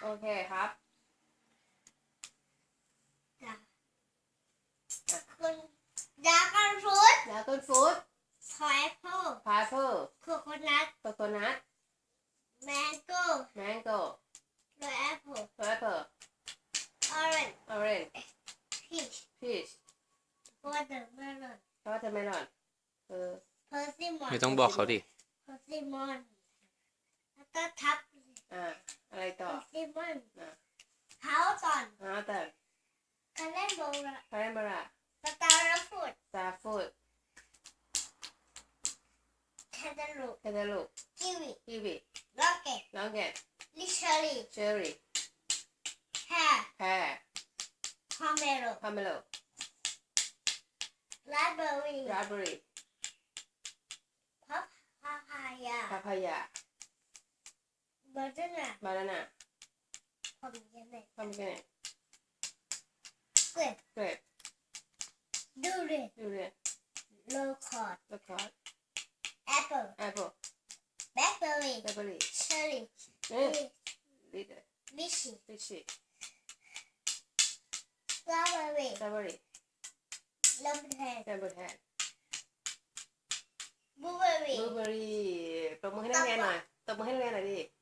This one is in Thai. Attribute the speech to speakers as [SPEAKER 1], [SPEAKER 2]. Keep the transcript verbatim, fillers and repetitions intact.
[SPEAKER 1] โอเคครับ
[SPEAKER 2] คุณดราก้อนฟรุต
[SPEAKER 1] ดราก้อนฟรุต
[SPEAKER 2] พายแอปเปิ้ล
[SPEAKER 1] พายแอปเปิ้ล
[SPEAKER 2] โคโคนัท
[SPEAKER 1] โคโคนัท
[SPEAKER 2] แมงโก้
[SPEAKER 1] แมงโก้
[SPEAKER 2] โรยแอปเปิ้ล
[SPEAKER 1] แอปเปิ้ล
[SPEAKER 2] ออเรนจ์
[SPEAKER 1] ออเรนจ์
[SPEAKER 2] พีช
[SPEAKER 1] พีช
[SPEAKER 2] วอเตอร์เมลอน
[SPEAKER 1] วอเตอร์เมลอนเออ
[SPEAKER 2] เพอร์ซิมอน
[SPEAKER 3] ไม่ต้องบอกเขาดิ
[SPEAKER 2] เพอร์ซิมอนแล้วก็ทับ
[SPEAKER 1] อ่าอะไร
[SPEAKER 2] เพ
[SPEAKER 1] ต่อ
[SPEAKER 2] อร์ซิมอน
[SPEAKER 1] อ่า
[SPEAKER 2] เฮาตอน
[SPEAKER 1] ฮาเตอร์
[SPEAKER 2] คาเล่นโบรา
[SPEAKER 1] คาเรนบารา
[SPEAKER 2] สตาร์ฟูด
[SPEAKER 1] ซาฟูด
[SPEAKER 2] แคนตาลูป
[SPEAKER 1] เทเดลูก
[SPEAKER 2] กิวี
[SPEAKER 1] กีวี
[SPEAKER 2] ล็อกเก็ต
[SPEAKER 1] ลองเกต
[SPEAKER 2] ลิเชอรี่
[SPEAKER 1] เชอร์รี่
[SPEAKER 2] แฮร์
[SPEAKER 1] แพร
[SPEAKER 2] พอมเมโล
[SPEAKER 1] พาเมโล
[SPEAKER 2] ราสเบอร์รี่
[SPEAKER 1] ราสเบอร์รี่
[SPEAKER 2] พับพาพายา
[SPEAKER 1] พาพายา
[SPEAKER 2] เบอร์เจน่า
[SPEAKER 1] บานาน่า
[SPEAKER 2] พอมเยเนต
[SPEAKER 1] พามิเกเนต
[SPEAKER 2] เกรป
[SPEAKER 1] เกรป
[SPEAKER 2] ดูเรน
[SPEAKER 1] ดูเรียน
[SPEAKER 2] โลคอร์ด
[SPEAKER 1] ลูกคอร์ด
[SPEAKER 2] แอปเปิล
[SPEAKER 1] แอปเปิ้ล
[SPEAKER 2] แบล็คเบอร์รี่
[SPEAKER 1] แบล็คเบอร์รี่
[SPEAKER 2] เชอร์รี่
[SPEAKER 1] เอ๊ะลิดเดอร์
[SPEAKER 2] ลิชี่
[SPEAKER 1] ลิชี่
[SPEAKER 2] สตรอเบอร์รี่
[SPEAKER 1] สตรอเบอร์รี่
[SPEAKER 2] ลมแทน
[SPEAKER 1] แซมเบอร์แทน
[SPEAKER 2] บลูเบอร์รี่
[SPEAKER 1] บลูเบอร์รี่ตบมือให้นักเรียนหน่อยตบมือให้นักเรียนหน่อยดิ